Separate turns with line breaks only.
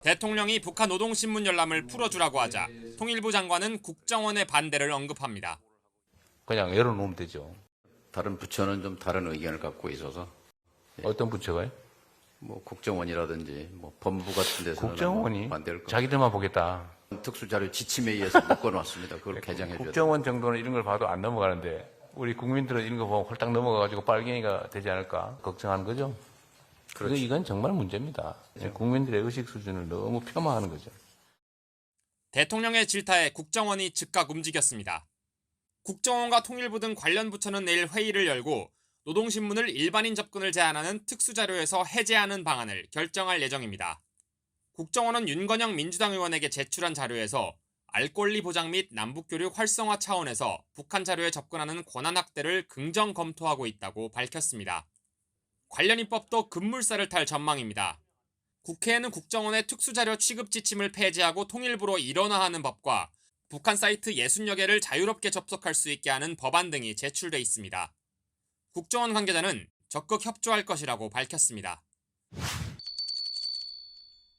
대통령이 북한 노동신문 열람을 풀어주라고 하자 통일부 장관은 국정원의 반대를 언급합니다.
그냥 열어놓으면 되죠.
다른 부처는 좀 다른 의견을 갖고 있어서
어떤 부처가요?
뭐 국정원이라든지 뭐 법무 같은 데서는
국정원이
반대할 것
자기들만 보겠다.
특수자료 지침에 의해서 묶어놨습니다. 그걸 개정해 줘야
국정원 정도는 이런 걸 봐도 안 넘어가는데 우리 국민들은 이런 거 보면 홀딱 넘어가가지고 빨갱이가 되지 않을까 걱정하는 거죠.
그렇죠.
이건 정말 문제입니다. 국민들의 의식 수준을 너무 폄하하는 거죠.
대통령의 질타에 국정원이 즉각 움직였습니다. 국정원과 통일부 등 관련 부처는 내일 회의를 열고 노동신문을 일반인 접근을 제한하는 특수자료에서 해제하는 방안을 결정할 예정입니다. 국정원은 윤건영 민주당 의원에게 제출한 자료에서 알 권리 보장 및 남북교류 활성화 차원에서 북한 자료에 접근하는 권한 확대를 긍정 검토하고 있다고 밝혔습니다. 관련 입법도 급물살을 탈 전망입니다. 국회에는 국정원의 특수자료 취급 지침을 폐지하고 통일부로 일원화하는 법과 북한 사이트 60여 개를 자유롭게 접속할 수 있게 하는 법안 등이 제출돼 있습니다. 국정원 관계자는 적극 협조할 것이라고 밝혔습니다.